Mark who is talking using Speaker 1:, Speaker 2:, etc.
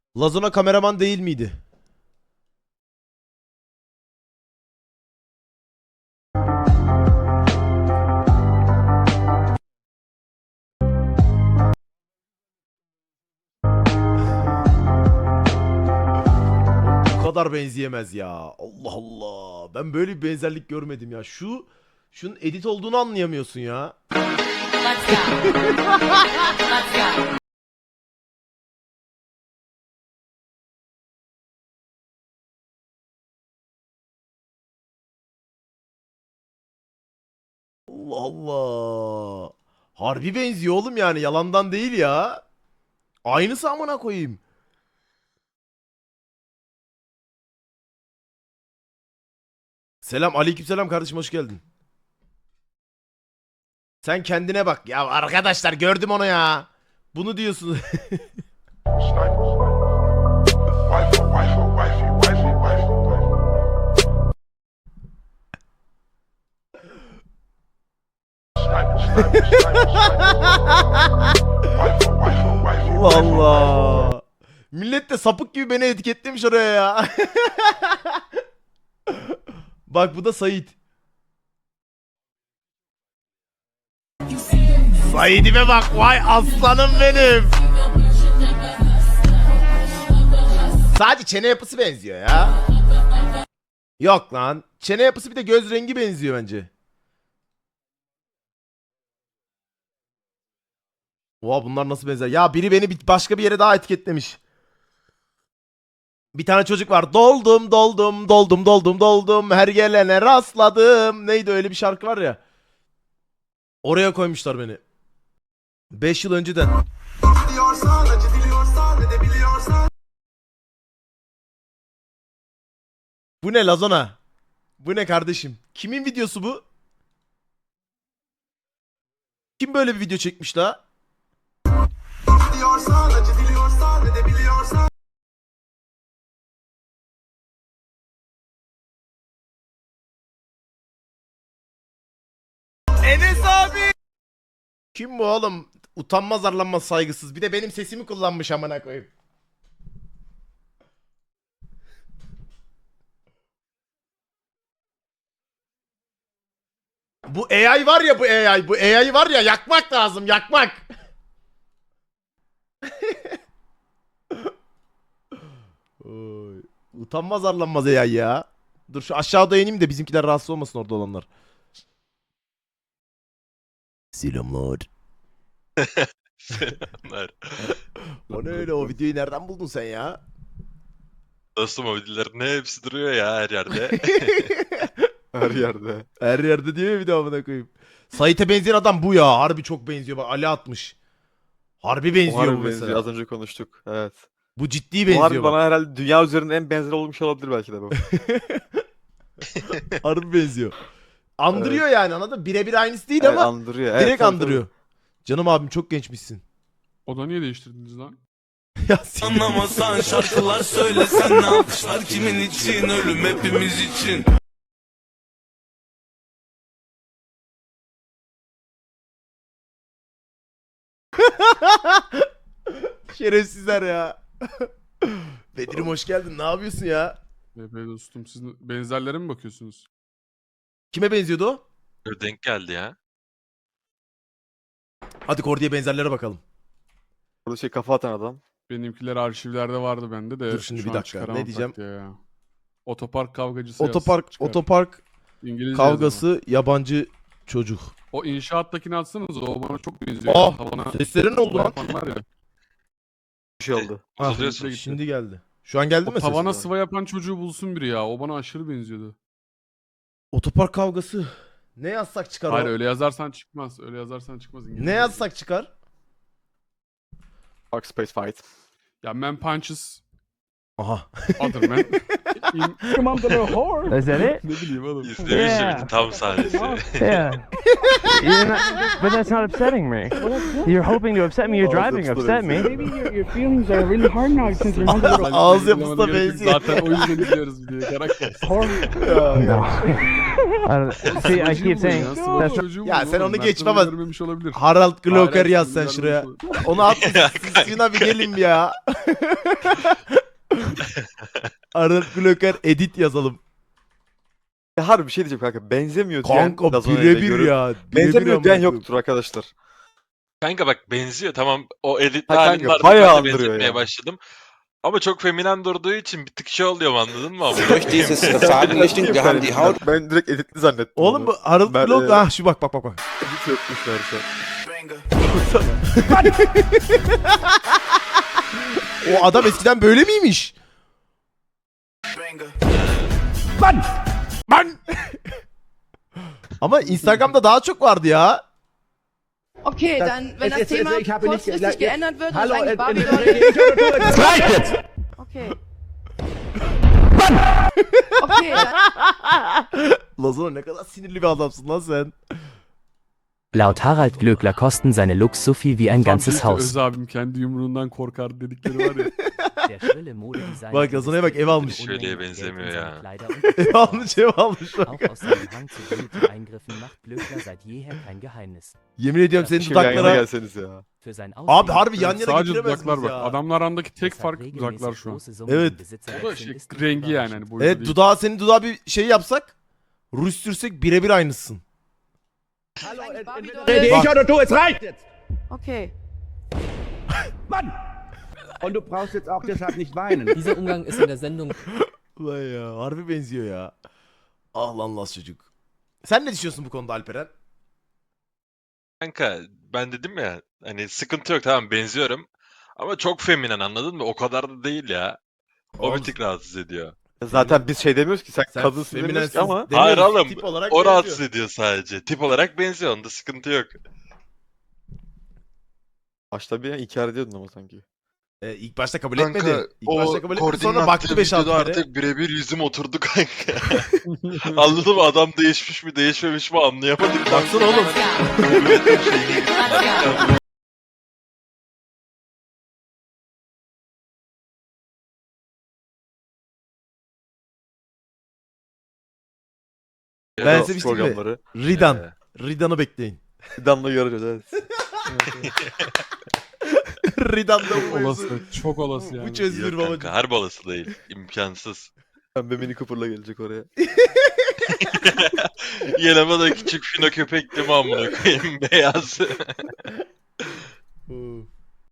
Speaker 1: Lazona kameraman değil miydi? Bu kadar benzeyemez ya. Allah Allah. Ben böyle bir benzerlik görmedim ya. Şunun edit olduğunu anlayamıyorsun ya.
Speaker 2: Let's go. Let's go.
Speaker 1: Allah Allah. Harbi benziyor oğlum yani. Yalandan değil ya. Aynısı amına koyayım. Selam, aleykümselam kardeşim, hoş geldin. Sen kendine bak. Ya arkadaşlar gördüm onu ya. Bunu diyorsun. Allah. Millet de sapık gibi beni etiketlemiş oraya ya. Bak bu da Sait. Said'ime bak, vay aslanım benim. Sadece çene yapısı benziyor ya. Yok lan. Çene yapısı bir de göz rengi benziyor bence. Oha bunlar nasıl benzer? Ya biri beni başka bir yere daha etiketlemiş. Bir tane çocuk var. Doldum doldum doldum doldum doldum. Her gelene rastladım. Neydi öyle bir şarkı var ya. Oraya koymuşlar beni. 5 yıl önceden. Bu ne Lazona? Bu ne kardeşim? Kimin videosu bu? Kim böyle bir video çekmiş la? Enes abi. Kim bu oğlum? Utanmaz arlanmaz saygısız. Bir de benim sesimi kullanmış amına koyayım. Bu AI var ya, bu AI var ya, yakmak lazım, yakmak. Oy. Utanmaz arlanmaz AI ya. Dur şu aşağıda ineyim de bizimkiler rahatsız olmasın orada olanlar. Selamlar.
Speaker 3: Selamlar.
Speaker 1: O ne öyle, o videoyu nereden buldun sen ya?
Speaker 3: Dostum o videoların hepsi duruyor ya her yerde.
Speaker 4: Her yerde.
Speaker 1: Her yerde diyor ya bir de amına koyayım. Sait'e benzeyen adam bu ya. Harbi çok benziyor. Bak Ali atmış. Harbi benziyor
Speaker 4: Harbi
Speaker 1: bu
Speaker 4: benziyor.
Speaker 1: mesela.
Speaker 4: Az önce konuştuk. Evet.
Speaker 1: Bu ciddi
Speaker 4: Bu
Speaker 1: benziyor
Speaker 4: harbi
Speaker 1: bak.
Speaker 4: bana herhalde dünya üzerinde en benzer olmuş olabilir belki de bu.
Speaker 1: Harbi benziyor. Andırıyor yani, anladın mı? Birebir aynısı değil
Speaker 4: Evet,
Speaker 1: ama
Speaker 4: andırıyor. Evet,
Speaker 1: direkt
Speaker 4: tabii,
Speaker 1: andırıyor. Canım abim çok gençmişsin.
Speaker 5: O da niye değiştirdiniz lan?
Speaker 1: Ya siktir.
Speaker 6: Anlamasan şarkılar söylesen ne alkışlar kimin için ölüm hepimiz için.
Speaker 1: Şerefsizler ya. Bedir'im hoş geldin. Ne yapıyorsun ya?
Speaker 5: Be dostum siz benzerlere mi bakıyorsunuz?
Speaker 1: Kime benziyordu o?
Speaker 3: Böyle denk geldi ya.
Speaker 1: Hadi Kordi'ye benzerlere bakalım.
Speaker 4: Burada şey kafa atan adam.
Speaker 5: Benimkiler arşivlerde vardı bende de.
Speaker 1: Dur şimdi
Speaker 5: şu
Speaker 1: bir
Speaker 5: an
Speaker 1: dakika,
Speaker 5: çıkaramam
Speaker 1: ne diyeceğim?
Speaker 5: tak diye ya. Otopark kavgacısı yaz,
Speaker 1: Otopark
Speaker 5: çıkar.
Speaker 1: otopark
Speaker 5: İngilizce
Speaker 1: kavgası yabancı çocuk.
Speaker 5: yazımı. O inşaattakini atsanız o bana çok benziyor.
Speaker 1: Ah!
Speaker 5: Tavana
Speaker 1: Sesleri ne oldu lan?
Speaker 5: yapan var ya.
Speaker 4: Bir şey oldu.
Speaker 1: Ah,
Speaker 3: Bozuluyorsun.
Speaker 5: gitti.
Speaker 1: Şimdi geldi. Şu an geldi
Speaker 5: O
Speaker 1: mi
Speaker 5: tavana
Speaker 1: ses?
Speaker 5: sıva yapan çocuğu bulsun biri ya. O bana aşırı benziyordu.
Speaker 1: Otopark kavgası. Ne yazsak çıkar
Speaker 5: Hayır
Speaker 1: o?
Speaker 5: öyle yazarsan çıkmaz. Öyle yazarsan çıkmaz İngilizce.
Speaker 1: Ne yazsak çıkar?
Speaker 4: Park Space Fight.
Speaker 5: Ya man punches
Speaker 1: Aha.
Speaker 5: other man.
Speaker 7: Is that it?
Speaker 5: Ne bileyim oğlum.
Speaker 3: İzlemiştim
Speaker 7: Yeah.
Speaker 3: tam sahnesi.
Speaker 7: Yeah. But that's not upsetting me. You're hoping to upset me. You're driving to upset me.
Speaker 8: Your feelings are really hard now since you're not a little
Speaker 1: Ağız
Speaker 5: Izlemene
Speaker 1: yapısı da
Speaker 5: gerek yok.
Speaker 1: benziyor.
Speaker 5: Zaten o yüzden izliyoruz videoyu. Karakter.
Speaker 7: No. See, I keep saying that's
Speaker 1: Ya sen onu geç baba.
Speaker 5: Görmemiş olabilir.
Speaker 1: Harald Glocker
Speaker 5: Hayır,
Speaker 1: yaz sen
Speaker 5: görmemiş
Speaker 1: şuraya.
Speaker 5: olabilir.
Speaker 1: Onu at. Sina bir gelin ya. Harald Glocker edit yazalım.
Speaker 4: Ya harbi bir şey diyeceğim kanka. Benzemiyor diyen
Speaker 1: Kanka
Speaker 4: Lazona'yı da
Speaker 1: birebir
Speaker 4: görüp-
Speaker 1: ya.
Speaker 4: Benzemiyor diyen
Speaker 1: amına
Speaker 4: yoktur arkadaşlar.
Speaker 3: Kanka bak benziyor tamam o editli
Speaker 4: Ha kanka,
Speaker 3: halin vardı
Speaker 4: bayağı
Speaker 3: ben de
Speaker 4: andırıyor
Speaker 3: benzetmeye
Speaker 4: yani.
Speaker 3: başladım. Ama çok feminen durduğu için bir tık şey oluyor anladın mı?
Speaker 6: Durch dieses Versagenrichtung, wir haben die Haut.
Speaker 4: Ben direkt editli zannettim.
Speaker 1: Oğlum
Speaker 4: onu.
Speaker 1: bu Harald
Speaker 4: Ben,
Speaker 1: Glocker. Ah şu bak.
Speaker 4: Edit yokmuşlar şu an.
Speaker 1: O adam eskiden böyle miymiş? Lan! Ama Instagram'da daha çok vardı ya.
Speaker 9: Okay, dann, wenn das Thema kurzfristig geändert wird, und eigentlich Babylon... Okay. Okay, dann...
Speaker 1: Lazona ne kadar sinirli bir adamsın lan sen.
Speaker 10: Laut Harald Glöckler kosten seine Looks so viel wie ein
Speaker 5: Tam
Speaker 10: ganzes
Speaker 5: büyük
Speaker 10: Haus.
Speaker 5: Öz abim kendi yumruğundan korkar dedikleri var ya.
Speaker 10: Der schrille Modedesigner
Speaker 1: Bak, Lazona'ya bak, ev almış.
Speaker 3: Şöyleye benzemiyor ya.
Speaker 1: Ev almış ev almış bak.
Speaker 10: Auch aus seinem Hang zu blutigen Eingriffen macht Glöckler seit jeher kein Geheimnis.
Speaker 1: Yemin ediyorum senin
Speaker 4: Şimdi yan yana
Speaker 1: dudaklara.
Speaker 4: gelseniz ya.
Speaker 10: Für sein
Speaker 1: Abi harbi yan yana
Speaker 5: Sadece
Speaker 1: getiremez
Speaker 5: dudaklar
Speaker 1: miyiz
Speaker 5: bak.
Speaker 1: ya?
Speaker 5: Adamlar arasındaki tek
Speaker 10: Deshalb
Speaker 5: fark
Speaker 10: regelmäßig
Speaker 5: dudaklar şu an.
Speaker 10: große Summen
Speaker 1: Evet.
Speaker 10: im Besitz
Speaker 5: Bu da
Speaker 10: erwechseln,
Speaker 5: şey
Speaker 10: ist nicht
Speaker 5: rengi yani
Speaker 10: überraschend.
Speaker 5: hani boyutu
Speaker 1: Evet
Speaker 5: değil.
Speaker 1: dudağı senin dudağı bir şey yapsak. Ruj sürsek birebir aynısın.
Speaker 9: eigentlich Babylon...
Speaker 8: oder du, es reicht jetzt!
Speaker 9: Okay.
Speaker 8: Und du brauchst jetzt auch deshalb nicht weinen.
Speaker 10: Dieser Umgang ist in der Sendung
Speaker 1: Ulan ya harbi benziyor ya. Ah lan las çocuk. Sen ne düşünüyorsun bu konuda Alperen?
Speaker 3: Kanka ben dedim ya hani sıkıntı yok tamam benziyorum. Ama çok feminen anladın mı? O kadar da değil ya. O
Speaker 1: Oğlum,
Speaker 3: bir tık rahatsız ediyor.
Speaker 4: Zaten biz şey demiyoruz ki sen
Speaker 1: sen
Speaker 4: kadınsın demiyoruz
Speaker 1: feminensiz
Speaker 4: ki ama
Speaker 1: demiyoruz,
Speaker 3: Hayır oğlum
Speaker 1: tip olarak
Speaker 3: o
Speaker 1: benziyor.
Speaker 3: rahatsız ediyor sadece. Tip olarak benziyor onda sıkıntı yok.
Speaker 4: başta bir inkar ediyordun ama sanki.
Speaker 1: İlk başta kabul etmedi. İlk başta kabul etmedi sonra baktı 5-6 kere.
Speaker 3: artık birebir yüzüm oturdu kanka. Anladın mı? Adam değişmiş mi değişmemiş mi anlayamadık.
Speaker 1: Baksana oğlum.
Speaker 2: Let's go.
Speaker 1: Ben size bir şey diyeyim mi?
Speaker 4: programları.
Speaker 1: Ridan. Ridan'ı bekleyin.
Speaker 4: Damla göreceğiz evet.
Speaker 1: Ridan'da
Speaker 5: Çok
Speaker 1: bu mevzu.
Speaker 5: olası. Çok olası yani.
Speaker 1: Bu çözülür
Speaker 3: Yok
Speaker 1: babacığım.
Speaker 3: kanka harbi olası değil. İmkansız.
Speaker 4: Pembe Mini Cooper'la gelecek oraya.
Speaker 3: Yanıma da küçük fino köpek değil mi amına koyayım beyaz.